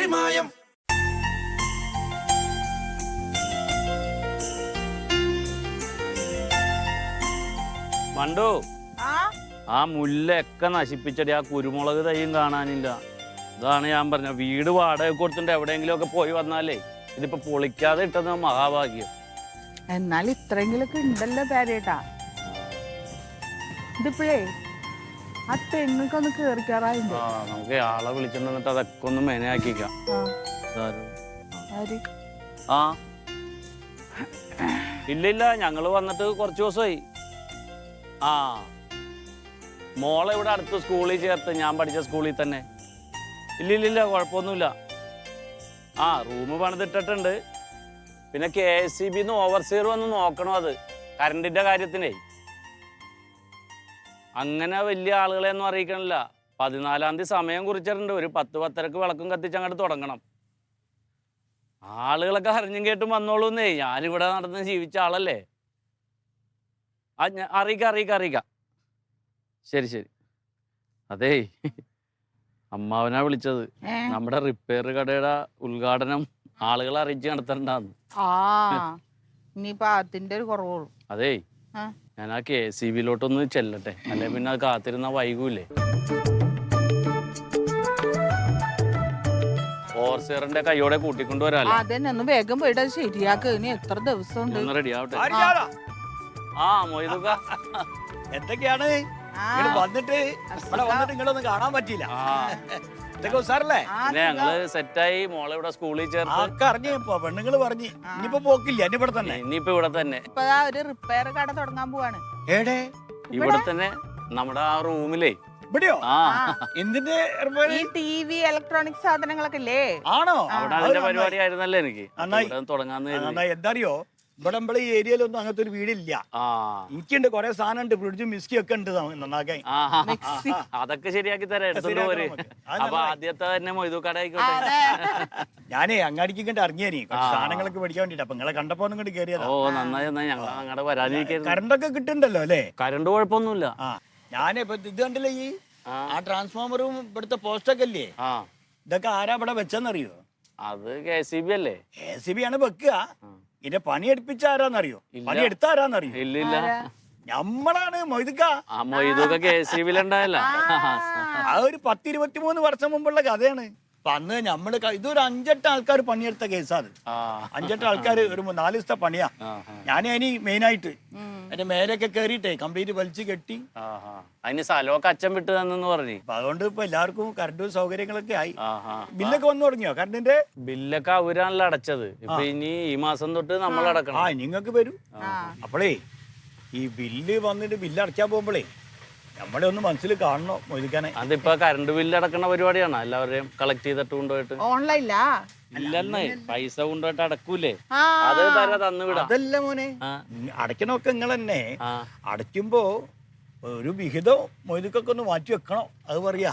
മായം. മണ്ടു, ആ മുല്ലൊക്കെ നശിപ്പിച്ചടി. ആ കുരുമുളക് തൈയും കാണാനില്ല. ഇതാണ് ഞാൻ പറഞ്ഞ വീട് വാടക കൊടുത്തിട്ട് എവിടെയെങ്കിലും ഒക്കെ പോയി വന്നാലേ ഇതിപ്പോ പൊളിക്കാതെ ഇട്ടത് മഹാഭാഗ്യം. എന്നാൽ ഇത്രയെങ്കിലൊക്കെ ഉണ്ടല്ലോ പേരേട്ടാ. ഇതിപ്പോഴേ ആ തെങ്ങൊക്കെ ഒന്ന് കേറിക്കാറായിണ്ട്. ആ, നമുക്ക് ആളെ വിളിച്ചിട്ട് അതൊക്കെ ഒന്ന് മെനയാക്കിക്കാം. ആ ഇല്ല, ഞങ്ങള് വന്നിട്ട് കുറച്ച് ദിവസമായി. ആ, മോളെ ഇവിടെ അടുത്ത് സ്കൂളിൽ ചേർത്ത്, ഞാൻ പഠിച്ച സ്കൂളിൽ തന്നെ. ഇല്ല, കുഴപ്പമൊന്നുമില്ല. ആ, റൂം പണിതിട്ടിട്ടുണ്ട്. പിന്നെ KSEB ഓവർസിയർ വന്ന് നോക്കണം അത് കറണ്ടിന്റെ കാര്യത്തിനേ. അങ്ങനെ വലിയ ആളുകളെയൊന്നും അറിയിക്കണില്ല. 14-ാം തീയതി സമയം കുറിച്ചിട്ടുണ്ട്. ഒരു 10-10:30 വിളക്കും കത്തിച്ച് അങ്ങോട്ട് തുടങ്ങണം. ആളുകളൊക്കെ അറിഞ്ഞും കേട്ടും വന്നോളൂന്നേ. ഞാനിവിടെ നടന്ന് ജീവിച്ച ആളല്ലേ. ആ, അറിയിക്കാം. ശരി. അതേ, അമ്മാവനാ വിളിച്ചത്. നമ്മുടെ റിപ്പയർ കടയുടെ ഉദ്ഘാടനം ആളുകളെ അറിയിച്ച് നടത്തണ്ടാന്ന്. ഇനിയിപ്പോ അതിന്റെ ഒരു കുറവുള്ളൂ. അതേ, ഞാൻ ആ KSEB ചെല്ലട്ടെ, അല്ലെ പിന്നെ അത് കാത്തിരുന്ന വൈകൂലേ. ഓവർസിയറിന്റെ കൈയോടെ കൂട്ടിക്കൊണ്ടുവരാല്ലോ. അതന്നെ, ഒന്ന് വേഗം പോയിട്ട് അത് ശരിയാക്ക്. ഇനി എത്ര ദിവസം ഉണ്ട്? റെഡി ആവട്ടെ. ആ, മൊയ്തുക എന്തൊക്കെയാണ് വന്നിട്ട് നിങ്ങളൊന്നും കാണാൻ പറ്റിയില്ല. ഞങ്ങള് സെറ്റായി. മോളെ ഇവിടെ സ്കൂളിൽ ചേർത്ത് അറിഞ്ഞപ്പോ പെണ്ണുങ്ങള് പറഞ്ഞു ഇനിയിപ്പോ പോക്കില്ല, ഇവിടെ തന്നെ. ഇനിയിപ്പോ ഇവിടെ തന്നെ ഇപ്പൊ ഒരു റിപ്പയർ കട തുടങ്ങാൻ പോവാണ്. ഏടേ? ഇവിടെ തന്നെ നമ്മുടെ ആ റൂമിലേ. ഇവിടെയോ? ആ, എന്തിന്റെ ഈ TV ഇലക്ട്രോണിക് സാധനങ്ങളൊക്കെ ഇല്ലേ? ആണോ? അവിടെ അതിന്റെ പരിപാടി ആയിരുന്നല്ലേ എനിക്ക് തുടങ്ങാന്ന്. എന്താ അറിയോ, ഇവിടെ നമ്മളെ ഈ ഏരിയയിലൊന്നും അങ്ങനത്തെ ഒരു വീടില്ല. എനിക്കുണ്ട് കുറെ സാധനം ഉണ്ട്, ഫ്രിഡ്ജും മിസ്കി ഒക്കെ ഉണ്ട് നന്നാക്കാൻ. അതൊക്കെ ശരിയാക്കി തരാം, എടുത്തോണ്ട് പോര്. അപ്പൊ ആദ്യത്തെ തന്നെ മൊയ്തു കട ആയിക്കോട്ടെ. ഞാനേ അങ്ങാടിക്ക് ഇറങ്ങിയേനി കുറച്ച് സാധനങ്ങളൊക്കെ മേടിക്കാൻ വേണ്ടിട്ട്. അപ്പൊ നിങ്ങളെ കണ്ടപ്പോ ഇങ്ങോട്ട് കയറിയതാ. ഓ, നന്നായി. ഞങ്ങൾ അങ്ങോട്ട് വരാനിരിക്കുന്നു. കറണ്ടൊക്കെ കിട്ടുന്നുണ്ടല്ലോ അല്ലേ? കറണ്ട് കുഴപ്പമൊന്നുമില്ല. ഞാനേ ഇപ്പൊ ഇത് കണ്ടില്ലേ, ഈ ആ ട്രാൻസ്ഫോമറും ഇവിടുത്തെ പോസ്റ്റൊക്കെ ഇല്ലേ, ഇതൊക്കെ ആരാ ഇവിടെ വെച്ചെന്നറിയോ? അത് KSEB അല്ലേ? KSEB ആണ് വെക്കുക. ഇതിന്റെ പണി എടുപ്പിച്ച ആരാന്നറിയോ? പണി എടുത്ത ആരാന്നറിയോ? ഇല്ല, നമ്മളാണ് മൊയ്തുക്ക. മൊയ്തുക്ക KSEB-ലുണ്ടായല്ല. ആ ഒരു 10-23 വർഷം മുമ്പുള്ള കഥയാണ്. അപ്പൊ അന്ന് നമ്മള് ഇതൊരു 5-8 ആൾക്കാർ പണിയെടുത്ത കേസാണ്. 5-8 ആൾക്കാർ ഒരു 4 ദിവസത്തെ പണിയാ. ഞാനതിന് മെയിനായിട്ട് എന്റെ മേലൊക്കെ കേറിയിട്ടേ കംപ്ലീറ്റ് വലിച്ചു കെട്ടി. അതിന് സ്ഥലമൊക്കെ അച്ഛൻ വിട്ടു തന്നെന്ന് പറഞ്ഞു. അപ്പൊ അതുകൊണ്ട് ഇപ്പൊ എല്ലാവർക്കും കറണ്ട് സൗകര്യങ്ങളൊക്കെ ആയി. ബില്ലൊക്കെ വന്നു തുടങ്ങിയോ? കറണ്ടിന്റെ ബില്ലൊക്കെ അവരാണല്ലോ അടച്ചത്. ഇപ്പൊ ഇനി ഈ മാസം തൊട്ട് നമ്മൾ അടക്കണം. നിങ്ങൾക്ക് വരും. അപ്പോളേ ഈ ബില്ല് വന്നിട്ട് ബില്ല് അടച്ചാൻ പോകുമ്പോഴേ നമ്മളെ ഒന്ന് മനസ്സിൽ കാണണോ മൊയ്തുക്കാനെ? അതിപ്പോ കറണ്ട് ബില്ല് അടക്കണ പരിപാടിയാണ്. എല്ലാവരെയും കളക്ട് ചെയ്തിട്ട് കൊണ്ടുപോയിട്ട്. ഓൺലൈനിലാ? ഇല്ലെന്നേ, പൈസ കൊണ്ടുപോയിട്ട് അടക്കൂലേ, അത് തരാ തന്നു വിടാം. അതല്ല മോനെ, അടയ്ക്കണമൊക്കെ നിങ്ങൾ തന്നെ. അടയ്ക്കുമ്പോ ഒരു വിഹിതം മൊയ്തുക്കൊക്കെ ഒന്ന് മാറ്റി വെക്കണം. അത് പറയാ.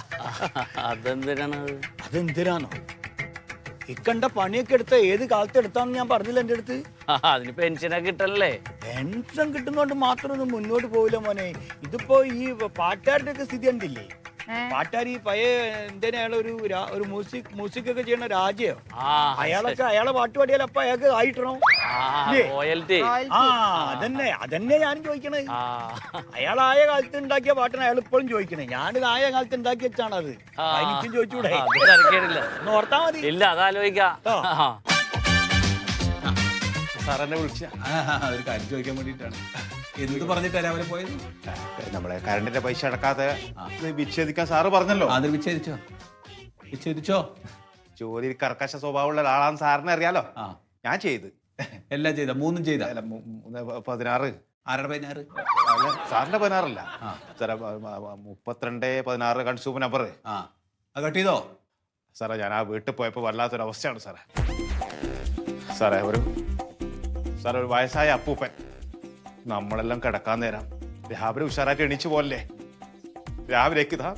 അതെന്തിനാണോ? ഇക്കണ്ട പണിയൊക്കെ എടുത്ത ഏത് കാലത്ത് എടുത്താന്ന് ഞാൻ പറഞ്ഞില്ല എന്റെ അടുത്ത്. അതിന് പെൻഷനൊക്കെ കിട്ടല്ലേ? പെൻഷൻ കിട്ടുന്നോണ്ട് മാത്രം ഒന്നും മുന്നോട്ട് പോവില്ല മോനെ. ഇതിപ്പോ ഈ പാട്ടുകാരുടെ ഒക്കെ സ്ഥിതി കണ്ടില്ലേ? പാട്ടുകാർ ഈ പഴയ എന്തേലും അയാളൊരു മ്യൂസിക് ഒക്കെ ചെയ്യണ രാജയോ, അയാളെ പാട്ട് പാടിയാൽ അപ്പൊ അയാൾക്ക് ആയിട്ടണോ? അതന്നെ ഞാനും ചോദിക്കണേ. അയാളായ കാലത്ത് ഉണ്ടാക്കിയ പാട്ടാണ് അയാൾ ഇപ്പോഴും ചോദിക്കണേ. ഞാനിത് ആയ കാലത്ത് ഉണ്ടാക്കി വെച്ചാണ് അത്. എനിക്കും ചോദിച്ചൂടെ? ഓർത്താ മതി. ഇല്ല, അതാലോചിക്കാം. സാറെന്നെ വിളിച്ച ഒരു കാര്യം ചോദിക്കാൻ വേണ്ടിയിട്ടാണ്. എന്ത് പറഞ്ഞിട്ടാ രാവിലെ പോയത്? നമ്മളെ കറണ്ടിന്റെ പൈസ അടക്കാതെ വിച്ഛേദിക്കാൻ സാറ് പറഞ്ഞല്ലോ. അത് വിച്ഛേദിച്ചോ? ജോലി കർക്കശ സ്വഭാവമുള്ള ഒരാളാണ് സാറിനെ അറിയാലോ. ഞാൻ ചെയ്ത് എല്ലാം ചെയ്ത 3 ചെയ്ത 16. ആരുടെ 16? സാറിന്റെ 16 സാറേ, 32 16 കൺസ്യൂമർ നമ്പർ. കട്ട് ചെയ്തോ സാറേ? ഞാൻ ആ വീട്ടിൽ പോയപ്പോ വല്ലാത്തൊരവസ്ഥയാണ് സാറേ. സാറേ, ഒരു വയസ്സായ അപ്പൂപ്പൻ. നമ്മളെല്ലാം കിടക്കാൻ നേരം രാവിലെ ഉഷാറായിട്ട് എണീച്ചു പോലല്ലേ, രാവിലേക്ക് ഇതാ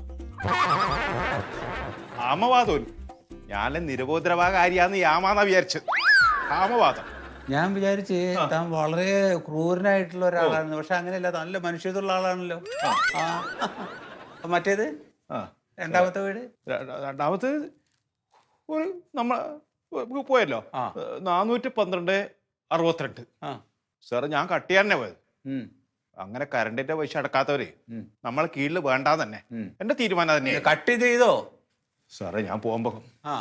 ആമവാദം. ഞാൻ നിരബോധരവാകാരിയാന്ന് യാമാന്നാ വിചാരിച്ചത്. ആമവാദം. ഞാൻ വിചാരിച്ച് താൻ വളരെ ക്രൂരനായിട്ടുള്ള ഒരാളാണ്. പക്ഷെ അങ്ങനെയല്ല, നല്ല മനുഷ്യത്തുള്ള ആളാണല്ലോ. മറ്റേത് രണ്ടാമത്തെ വീട്? രണ്ടാമത്തെ ഒരു പോയല്ലോ 412/62. സാറ് ഞാൻ കട്ട് ചെയ്യാൻ പോയത്. അങ്ങനെ കറണ്ടിന്റെ പൈസ അടക്കാത്തവര് നമ്മളെ കീഴിൽ വേണ്ട തന്നെ എന്റെ തീരുമാനം തന്നെ. കട്ട് ചെയ്തോ സാറേ ഞാൻ പോകുമ്പോ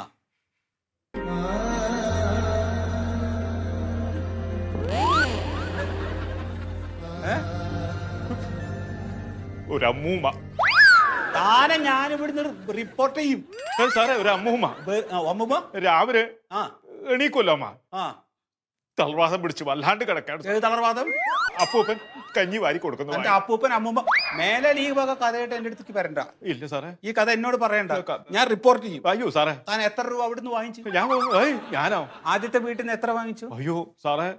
ഒരു അമ്മൂമ്മ താനെ ഞാൻ ഇവിടുന്ന് റിപ്പോർട്ട് ചെയ്യും. സാറേ ഒരു അമ്മൂമ്മ അമ്മൂമ്മ രാവിലെ എണീക്കുമല്ലോ അമ്മ, ആ തളർവാദം പിടിച്ച് വല്ലാണ്ട് കിടക്കാണ്. ഏത് തളർവാദം? അപ്പൂപ്പൻ കഞ്ഞി വാരി കൊടുക്കുന്നു. എന്റെ അപ്പൂപ്പൻ അമ്മൂമ്മ മേലെ ഈ വക കഥയായിട്ട് എന്റെ അടുത്തേക്ക് വരണ്ട. ഇല്ല സാറേ, ഈ കഥ എന്നോട് പറയണ്ട, ഞാൻ റിപ്പോർട്ട് ചെയ്യും. അയ്യോ സാറേ, താൻ എത്ര രൂപ അവിടുന്ന് വാങ്ങിച്ചു? ഞാനോ ആദ്യത്തെ വീട്ടിൽ നിന്ന് എത്ര വാങ്ങിച്ചു? അയ്യോ സാറേ,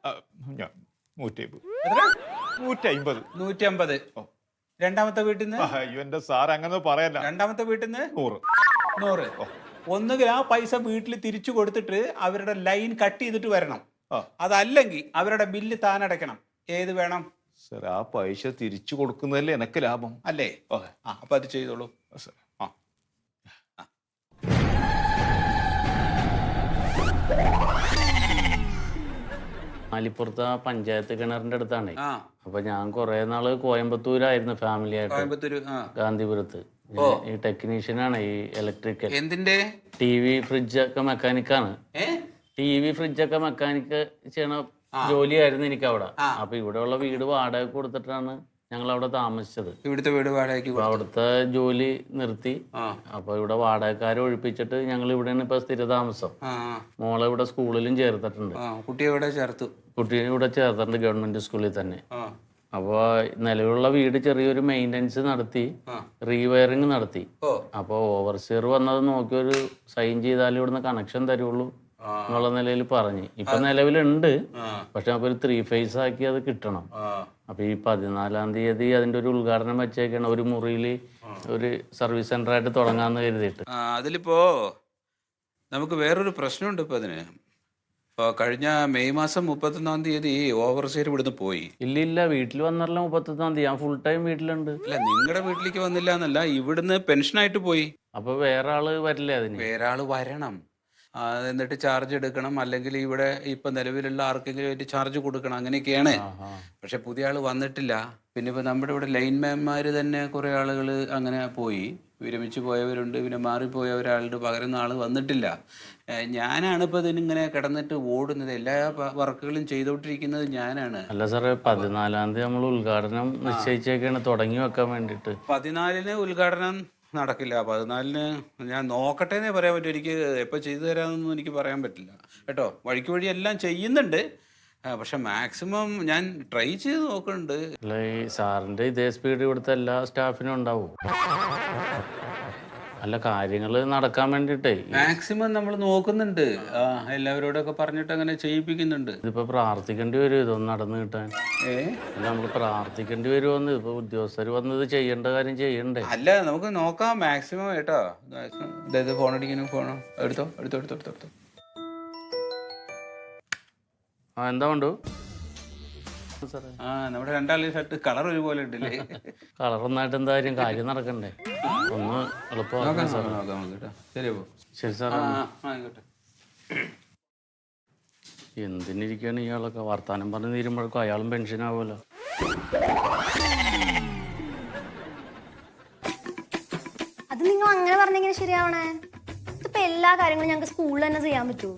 150. 150. രണ്ടാമത്തെ വീട്ടിൽ നിന്ന്? അയ്യോ എന്റെ സാർ അങ്ങനെ പറയല്ല. രണ്ടാമത്തെ വീട്ടിൽ നിന്ന് 100. ഒന്നുകിൽ ആ പൈസ വീട്ടിൽ തിരിച്ചു കൊടുത്തിട്ട് അവരുടെ ലൈൻ കട്ട് ചെയ്തിട്ട് വരണം. അതല്ലെങ്കിൽ അവരുടെ ബില്ല് താൻ അടയ്ക്കണം. ഏത് വേണം? സാർ ആ പൈസ തിരിച്ചു കൊടുക്കുന്നതല്ലേ എനക്ക് ലാഭം അല്ലേ? അപ്പൊ അത് ചെയ്തോളൂ. മാലിപ്പുറത്ത് പഞ്ചായത്ത് കിണറിന്റെ അടുത്താണ്. അപ്പൊ ഞാൻ കുറെ നാള് കോയമ്പത്തൂരായിരുന്നു ഫാമിലി ആയിട്ട്, ഗാന്ധിപുരത്ത്. ഈ ടെക്നീഷ്യനാണ്, ഈ ഇലക്ട്രിക്കൽ. എന്തിന്റെ? TV ഫ്രിഡ്ജ് ഒക്കെ മെക്കാനിക്കാണ്. TV ഫ്രിഡ്ജൊക്കെ മെക്കാനിക്ക് ചെയ്യണ ജോലിയായിരുന്നു എനിക്ക് അവിടെ. അപ്പൊ ഇവിടെയുള്ള വീട് വാടക കൊടുത്തിട്ടാണ് ഞങ്ങൾ അവിടെ താമസിച്ചത്. ഇവിടുത്തെ വീട് വാടകയ്ക്ക്? അവിടുത്തെ ജോലി നിർത്തി. അപ്പൊ ഇവിടെ വാടകക്കാരെ ഒഴിപ്പിച്ചിട്ട് ഞങ്ങൾ ഇവിടെയാണ് ഇപ്പൊ സ്ഥിര താമസം. മോളെ ഇവിടെ സ്കൂളിലും ചേർത്തിട്ടുണ്ട്. കുട്ടിയെ ഇവിടെ ചേർത്തു? കുട്ടീനെ ഇവിടെ ചേർത്തിട്ടുണ്ട്, ഗവൺമെന്റ് സ്കൂളിൽ തന്നെ. അപ്പോൾ നിലവിലുള്ള വീട് ചെറിയൊരു മെയിൻ്റനൻസ് നടത്തി, റീവയറിങ് നടത്തി. അപ്പോൾ ഓവർസിയർ വന്നത് നോക്കി ഒരു സൈൻ ചെയ്താലും ഇവിടുന്ന് കണക്ഷൻ തരുള്ളൂ എന്നുള്ള നിലയിൽ പറഞ്ഞ്. ഇപ്പൊ നിലവിലുണ്ട്, പക്ഷെ നമുക്കൊരു 3 ഫേസ് ആക്കി അത് കിട്ടണം. അപ്പൊ ഈ 14-ാം തീയതി അതിന്റെ ഒരു ഉദ്ഘാടനം വെച്ചേക്കാണ്. ഒരു മുറിയിൽ ഒരു സർവീസ് സെന്റർ ആയിട്ട് തുടങ്ങാന്ന് കരുതിയിട്ട്. അതിലിപ്പോ നമുക്ക് വേറൊരു പ്രശ്നമുണ്ട്. ഇപ്പൊ അതിന് കഴിഞ്ഞ മെയ് മാസം 31-ാം തീയതി ഓവർസിയർ ഇവിടുന്ന് പോയി. ഇല്ല, വീട്ടിൽ വന്നല്ലോ 31-ാം തീയതി. ഞാൻ ഫുൾ ടൈം വീട്ടിലുണ്ട്. അല്ല, നിങ്ങളുടെ വീട്ടിലേക്ക് വന്നില്ല എന്നല്ല, ഇവിടുന്ന് പെൻഷനായിട്ട് പോയി. അപ്പൊ വേറെ ആള് വരില്ലേ? അതിന് വേറെ ആള് വരണം, എന്നിട്ട് ചാർജ് എടുക്കണം, അല്ലെങ്കിൽ ഇവിടെ ഇപ്പൊ നിലവിലുള്ള ആർക്കെങ്കിലും ആയിട്ട് ചാർജ് കൊടുക്കണം, അങ്ങനെയൊക്കെയാണ്. പക്ഷെ പുതിയ ആള് വന്നിട്ടില്ല. പിന്നെ ഇപ്പൊ നമ്മുടെ ഇവിടെ ലൈൻമാൻമാര് തന്നെ കുറെ ആളുകൾ അങ്ങനെ പോയി, വിരമിച്ച് പോയവരുണ്ട്, പിന്നെ മാറിപ്പോയ ഒരാളുടെ പകരുന്ന ആള് വന്നിട്ടില്ല. ഞാനാണ് ഇപ്പൊ ഇതിനിങ്ങനെ കിടന്നിട്ട് ഓടുന്നത്, എല്ലാ വർക്കുകളും ചെയ്തോണ്ടിരിക്കുന്നത് ഞാനാണ്. അല്ല സാറേ, 14-ാം തീയതി നമ്മൾ ഉദ്ഘാടനം നിശ്ചയിച്ചേക്കാണ്, തുടങ്ങി വെക്കാൻ വേണ്ടിട്ട്. 14-ന് ഉദ്ഘാടനം നടക്കില്ല. 14-ന് ഞാൻ നോക്കട്ടെ എന്നേ പറയാൻ പറ്റും. എനിക്ക് എപ്പോൾ ചെയ്തു തരാമെന്നൊന്നും എനിക്ക് പറയാൻ പറ്റില്ല കേട്ടോ. വഴിക്ക് വഴി എല്ലാം ചെയ്യുന്നുണ്ട്, പക്ഷെ മാക്സിമം ഞാൻ ട്രൈ ചെയ്ത് നോക്കുന്നുണ്ട്. അല്ല, ഈ സാറിന്റെ ഇതേ സ്പീഡ് ഇവിടുത്തെ എല്ലാ സ്റ്റാഫിനും ഉണ്ടാവും. അല്ല, കാര്യങ്ങൾ നടക്കാൻ വേണ്ടിട്ടേ മാക്സിമം നമ്മൾ നോക്കുന്നുണ്ട്. എല്ലാവരോടൊക്കെ പറഞ്ഞിട്ട് അങ്ങനെ ചെയ്യിപ്പിക്കുന്നുണ്ട്. ഇതിപ്പോ പ്രാർത്ഥിക്കേണ്ടി വരും ഇതൊന്നും നടന്നു കിട്ടാൻ. അല്ല, നമുക്ക് പ്രാർത്ഥിക്കേണ്ടി വരുമെന്ന്. ഇപ്പൊ ഉദ്യോഗസ്ഥർ വന്നത് ചെയ്യേണ്ട കാര്യം ചെയ്യണ്ടേ? അല്ല, നമുക്ക് നോക്കാം മാക്സിമം കേട്ടോ. മാക്സിമം ഫോൺ അടിക്കുന്നു. ഫോണോ എടുത്തോ. എന്താ വേണ്ടു? നമ്മുടെ രണ്ടാളുടെ ഷർട്ട് കളർ ഒരുപോലെ ഉണ്ടല്ലേ? കളർ ഒന്നായിട്ട് എന്താ കാര്യം നടക്കണ്ടേ? ഒന്ന് എളുപ്പമാക്കാം സാർ. ശരി സാർ. എന്തിനിരിക്കാണ് ഇയാളൊക്കെ വർത്താനം പറഞ്ഞ് തീരുമ്പോഴേക്കും അയാളും പെൻഷൻ ആവുമല്ലോ. അത് നിങ്ങൾ അങ്ങനെ പറഞ്ഞെങ്ങനെ ശരിയാവണേ? ഇതിപ്പോ എല്ലാ കാര്യങ്ങളും ഞങ്ങൾക്ക് സ്കൂളിൽ തന്നെ ചെയ്യാൻ പറ്റുമോ?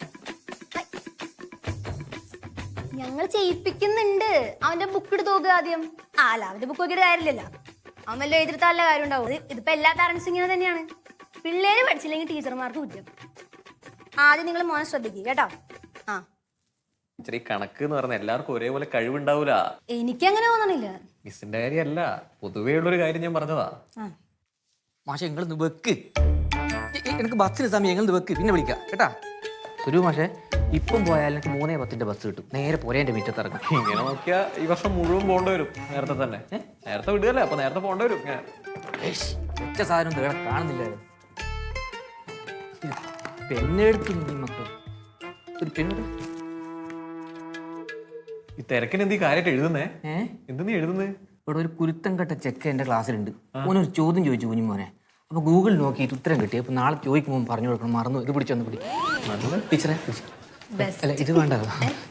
ഞങ്ങൾ ചെയ്യിപ്പിക്കുന്നുണ്ട്. അവന്റെ ബുക്ക് എടുത്ത് നോക്കുക ആദ്യം. അല്ല, അവന്റെ ബുക്ക് നോക്കിയിട്ട് കാര്യമില്ലല്ലോ. അവൻ വല്ല എഴുതിർത്താനുള്ള കാര്യം ഉണ്ടാവും. ഇതിപ്പോ എല്ലാ പാരന്റ്സും ഇങ്ങനെ തന്നെയാണ്. പിള്ളേര് പഠിച്ചില്ലെങ്കിൽ ടീച്ചർമാർക്ക് കുറ്റം. ആദ്യം നിങ്ങൾ മോനെ ശ്രദ്ധിക്കുക കേട്ടോ. കണക്ക് എന്ന് പറഞ്ഞാൽ എല്ലാവർക്കും ഒരേപോലെ കഴിവുണ്ടാവൂല. എനിക്കങ്ങനെ തോന്നണില്ല. മിസ്സിന്റെ കാര്യമല്ല, പൊതുവേ ഉള്ളൊരു കാര്യം ഞാൻ പറഞ്ഞതാ. മാഷെ നിങ്ങളൊന്ന് വെക്ക്, എനിക്ക് ബസ്സിന് സമയം ഞങ്ങൾ വെക്ക്, പിന്നെ വിളിക്കാം കേട്ടാ. സുരു മാഷെ, ഇപ്പം പോയാൽ എനിക്ക് 3:10 ബസ് കിട്ടും. നേരെ പോരെ എൻ്റെ മുറ്റത്ത് ഇറങ്ങും. ഇങ്ങനെ നോക്കിയാ ഈ വർഷം മുഴുവൻ പോകേണ്ടി വരും. നേരത്തെ തന്നെ നേരത്തെ വിടുകയല്ലേ, അപ്പൊ നേരത്തെ പോകേണ്ടി വരും. ഒറ്റ സാധനം വേറെ കാണുന്നില്ല. പെണ്ണെടുത്തു മക്കൾ, ഒരു പെണ്ണ്. ഈ തിരക്കിന് എന്ത് കാര്യമായിട്ട് എഴുതുന്നേ? എന്ത് നീ എഴുതുന്നേ? ഇവിടെ ഒരു കുരുത്തം കെട്ട ചെക്ക എൻ്റെ ക്ലാസ്സിലുണ്ട്. ഓനൊരു ചോദ്യം ചോദിച്ചു കുഞ്ഞുമോനെ. അപ്പോൾ ഗൂഗിൾ നോക്കിയിട്ട് ഉത്തരം കിട്ടി. അപ്പോൾ നാളെ ചോദിക്കുമ്പോൾ പറഞ്ഞു കൊടുക്കണം. മറന്നു. ഇത് പിടിച്ചൊന്ന് പിടി. ടീച്ചറെ പിടിച്ചു. അല്ല ഇത് വേണ്ടല്ലോ.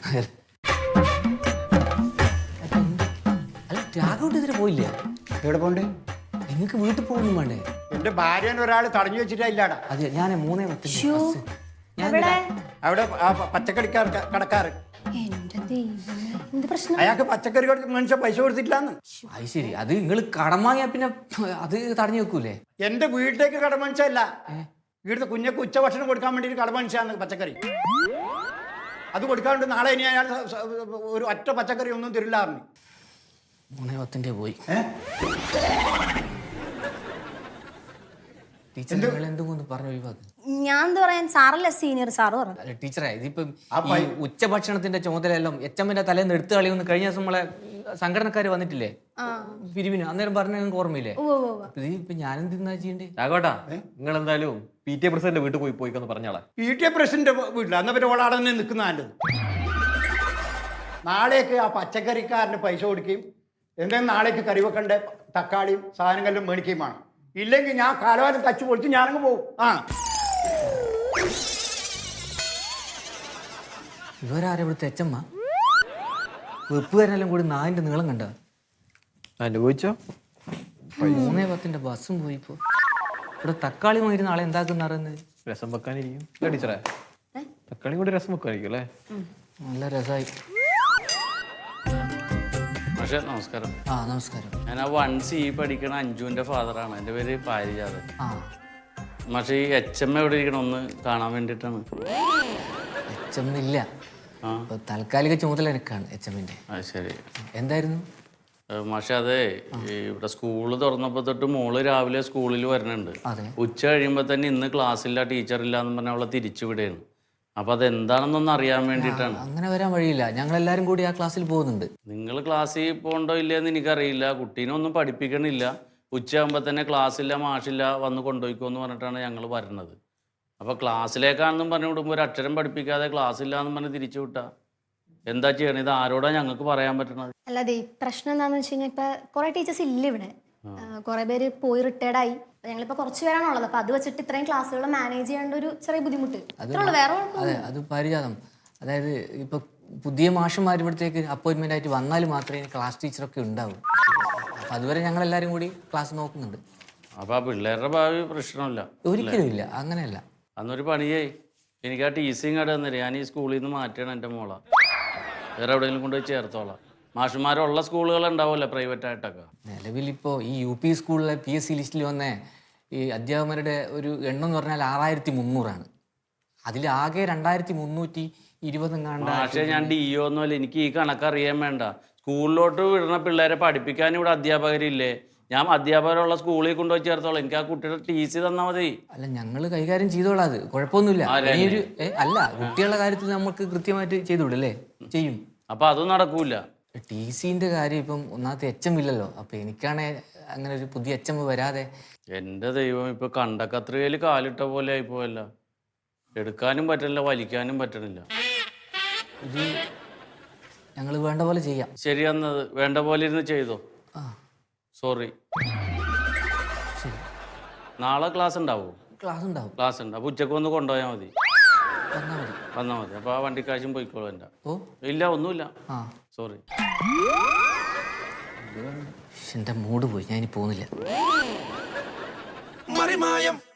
അല്ല രാഘവട്ട് ഇതിന് പോയില്ലേ? എവിടെ പോണ്ട്? നിങ്ങൾക്ക് വീട്ടിൽ പോകുന്നു വേണ്ടേ? എന്റെ ഭാര്യനെ ഒരാൾ തടഞ്ഞു വെച്ചിട്ടില്ലാടാ. അതെ ഞാൻ 3:10 ബസ്. എവിടെ? അവിടെ ആ പച്ചക്കറിക്കാർ കടക്കാറ് എന്റെ ദൈവമേ, എന്ത് പ്രശ്നം? അയാൾക്ക് പച്ചക്കറി മനുഷ്യ പൈസ കൊടുത്തിട്ടില്ലാന്ന്. അത് ശരി. അത് നിങ്ങൾ കടം വാങ്ങിയാ പിന്നെ അത് തടഞ്ഞു വെക്കൂലേ? എന്റെ വീട്ടിലേക്ക് കട മനുഷ്യല്ല, ഇവിടുത്തെ കുഞ്ഞക്ക് ഉച്ചഭക്ഷണം കൊടുക്കാൻ വേണ്ടിയിട്ട് കട മനുഷ്യാണ് പച്ചക്കറി. അത് കൊടുക്കാണ്ട് നാളെ ഇനി അയാൾ ഒരു ഒറ്റ പച്ചക്കറി ഒന്നും തരില്ലാറിഞ്ഞു. 3:10 പോയി. ടീച്ചർ നിങ്ങൾ എന്തുകൊണ്ട് പറഞ്ഞു ഒഴിവാക്ക്? ഞാൻ എന്താ പറയാൻ, സാറല്ലേ സീനിയർ, സാറ് പറഞ്ഞു. അല്ല ടീച്ചറെ, ഇതിപ്പം ഈ ഉച്ചഭക്ഷണത്തിന്റെ ചുമതലയെല്ലാം എച്ചമ്മന്റെ തലേന്ന് എടുത്തു കളിയൊന്ന് കഴിഞ്ഞ ദിവസം നമ്മളെ സംഘടനക്കാർ വന്നിട്ടില്ലേ പിരിവിന്, അന്നേരം പറഞ്ഞ നിങ്ങൾക്ക് ഓർമ്മയില്ലേ? ഇത് ഇപ്പൊ ഞാനെന്തിന്നാ ചെയ്യണ്ടേ? രാഘവട്ടാ നിങ്ങൾ എന്തായാലും PTA പ്രസിഡന്റ് വീട്ടിൽ പോയിക്കൊന്ന് പറഞ്ഞാളാ. PTA പ്രസിഡന്റ് വീട്ടിൽ അന്ന പിന്നെ ഓളാടെ തന്നെ നിൽക്കുന്ന നല്ലത്. നാളേക്ക് ആ പച്ചക്കറിക്കാരന് പൈസ കൊടുക്കുകയും എന്തെങ്കിലും നാളേക്ക് കറി വെക്കണ്ട തക്കാളിയും സാധനങ്ങളിലും മേടിക്കുകയും വേണം. ഇല്ലെങ്കിൽ ഞാൻ കാലവാരം തച്ചു പൊളിച്ച് ഞാനങ്ങ് പോകും. ഇവരാരെ ഇവിടുത്തെ എച്ചമ്മ? വെപ്പുകാരെല്ലാം കൂടി 4 നീളം കണ്ട അനുഭവിച്ചോ? 3:10 ബസ്സും പോയിപ്പോ. ഇവിടെ തക്കാളി വാങ്ങിയിരുന്ന ആളെ എന്താക്കുന്ന അറിയുന്നത്? രസം വെക്കാനിരിക്കും ടീച്ചറെ. തക്കാളി കൂടി രസം വെക്കാനിരിക്കും അല്ലേ? നല്ല രസമായി. പക്ഷേ നമസ്കാരം. ആ നമസ്കാരം. ഞാൻ ആ 1C പഠിക്കണ അഞ്ജുവിൻ്റെ ഫാദറാണ്. എൻ്റെ പേര് പാരിജാതൻ. ആ പക്ഷേ ഈ HM എവിടെ ഇരിക്കണം ഒന്ന് കാണാൻ വേണ്ടിയിട്ടാണ്. എച്ചമ്മ ഇല്ല, താൽക്കാലിക ചുമതല എനിക്കാണ് എച്ചമ്മിന്റെ. അത് ശരി. എന്തായിരുന്നു? പക്ഷെ അതെ, ഇവിടെ സ്കൂള് തുറന്നപ്പോൾ തൊട്ട് മോള് രാവിലെ സ്കൂളിൽ വരുന്നുണ്ട്. അതെ. ഉച്ച കഴിയുമ്പോൾ തന്നെ ഇന്ന് ക്ലാസ്സില്ല, ടീച്ചറില്ല എന്ന് പറഞ്ഞാൽ അവളെ തിരിച്ചു വിടുകയാണ്. അപ്പൊ അതെന്താണെന്നൊന്ന് അറിയാൻ വേണ്ടിയിട്ടാണ്. അങ്ങനെ വരാൻ വഴിയില്ല, ഞങ്ങൾ എല്ലാരും കൂടി ആ ക്ലാസ്സിൽ പോകുന്നുണ്ട്. നിങ്ങൾ ക്ലാസ്സിൽ പോകണ്ടോ ഇല്ലയെന്ന് എനിക്കറിയില്ല. കുട്ടീനെ ഒന്നും പഠിപ്പിക്കണില്ല. ഉച്ചയാകുമ്പോൾ തന്നെ ക്ലാസ്സില്ല, മാഷില്ല, വന്ന് കൊണ്ടുപോയിക്കോ എന്ന് പറഞ്ഞിട്ടാണ് ഞങ്ങൾ വരുന്നത്. അപ്പോൾ ക്ലാസ്സിലേക്കാണെന്നും പറഞ്ഞു വിടുമ്പോൾ ഒരു അക്ഷരം പഠിപ്പിക്കാതെ ക്ലാസ്സില്ല എന്ന് പറഞ്ഞ് തിരിച്ചു വിട്ടാ എന്താ ചെയ്യണം? ഇത് ആരോടാ ഞങ്ങൾക്ക് പറയാൻ പറ്റണത്? അല്ലാതെ പ്രശ്നം എന്താണെന്ന് വെച്ച് കഴിഞ്ഞാൽ ഇപ്പൊ കുറെ ടീച്ചേഴ്സ് ഇല്ല ഇവിടെ. കുറെ പേര് പോയി റിട്ടയർഡായി. ഞങ്ങളിപ്പോ കുറച്ച് പേരാണുള്ളത്. അപ്പൊ അത് വെച്ചിട്ട് ഇത്രയും ക്ലാസ്സുകൾ മാനേജ് ചെയ്യേണ്ട ഒരു ചെറിയ ബുദ്ധിമുട്ട്. വേറെ അതെ, അത് പരിജാതം. അതായത് ഇപ്പൊ പുതിയ മാഷന്മാർ ഇവിടത്തേക്ക് അപ്പോയിന്റ്മെന്റ് ആയിട്ട് വന്നാൽ മാത്രമേ ക്ലാസ് ടീച്ചറൊക്കെ ഉണ്ടാവും. അപ്പൊ അതുവരെ ഞങ്ങൾ എല്ലാവരും കൂടി ക്ലാസ് നോക്കുന്നുണ്ട്. അപ്പൊ ആ പിള്ളേരുടെ ഭാവി പ്രശ്നമില്ല? ഒരിക്കലും ഇല്ല, അങ്ങനെയല്ല. അന്നൊരു പണിയേ, എനിക്ക് ആ TC കാർഡ് തന്നില്ല. ഞാൻ ഈ സ്കൂളിൽ നിന്ന് മാറ്റണം എൻ്റെ മോളെ. വേറെ എവിടെയെങ്കിലും കൊണ്ടുപോയി ചേർത്തോളാം. മാഷന്മാരുള്ള സ്കൂളുകൾ ഉണ്ടാവുമല്ലോ പ്രൈവറ്റ് ആയിട്ടൊക്കെ. നിലവിലിപ്പോൾ ഈ UP സ്കൂളിലെ PSC ലിസ്റ്റിൽ വന്ന ഈ അധ്യാപകരുടെ ഒരു എണ്ണം എന്ന് പറഞ്ഞാൽ 6300 അതിൽ ആകെ 2320 പക്ഷേ ഞാൻ DO ഒന്നുമല്ല. എനിക്ക് ഈ കണക്കറിയാൻ വേണ്ട. സ്കൂളിലോട്ട് വിടുന്ന പിള്ളേരെ പഠിപ്പിക്കാൻ ഇവിടെ അധ്യാപകരില്ലേ? ഞാൻ അധ്യാപകരുള്ള സ്കൂളിൽ കൊണ്ടുപോയി ചേർത്തോളാം. എനിക്ക് ആ കുട്ടിയുടെ TC തന്നാൽ മതി. അല്ല, ഞങ്ങൾ കൈകാര്യം ചെയ്തോളാം, അത് കുഴപ്പമൊന്നുമില്ല. അല്ല, കുട്ടികളുടെ കാര്യത്തിൽ നമുക്ക് കൃത്യമായിട്ട് ചെയ്തുവിടല്ലേ? ചെയ്യും. അപ്പൊ അതും നടക്കൂല. TCന്റെ കാര്യം ഇപ്പം ഒന്നാമത്തെ HM ഇല്ലല്ലോ. അപ്പൊ എനിക്കാണെ അങ്ങനെ ഒരു പുതിയ HM വരാതെ. എൻ്റെ ദൈവം, ഇപ്പൊ കണ്ടക്കത്രികയിൽ കാലിട്ട പോലെ ആയിപ്പോയല്ല. എടുക്കാനും പറ്റില്ല, വലിക്കാനും പറ്റണില്ല. ഇത് ഞങ്ങൾ വേണ്ട പോലെ ചെയ്യാം. ശരി, എന്നത് വേണ്ട പോലെ ഇരുന്ന് ചെയ്തോ. സോറി. നാളെ ക്ലാസ് ഉണ്ടാവോ? ക്ലാസ് ഉണ്ടാവും. ക്ലാസ് ഉണ്ട്. അപ്പൊ ഉച്ചക്ക് വന്ന് കൊണ്ടുപോയാൽ മതി. വന്നാൽ മതി. അപ്പൊ ആ വണ്ടിക്കാശും പോയിക്കോളൂ. എൻ്റെ ഇല്ല, ഒന്നുമില്ല. സോറി. എന്റെ മൂഡ് പോയി, ഞാൻ ഇനി പോകുന്നില്ല.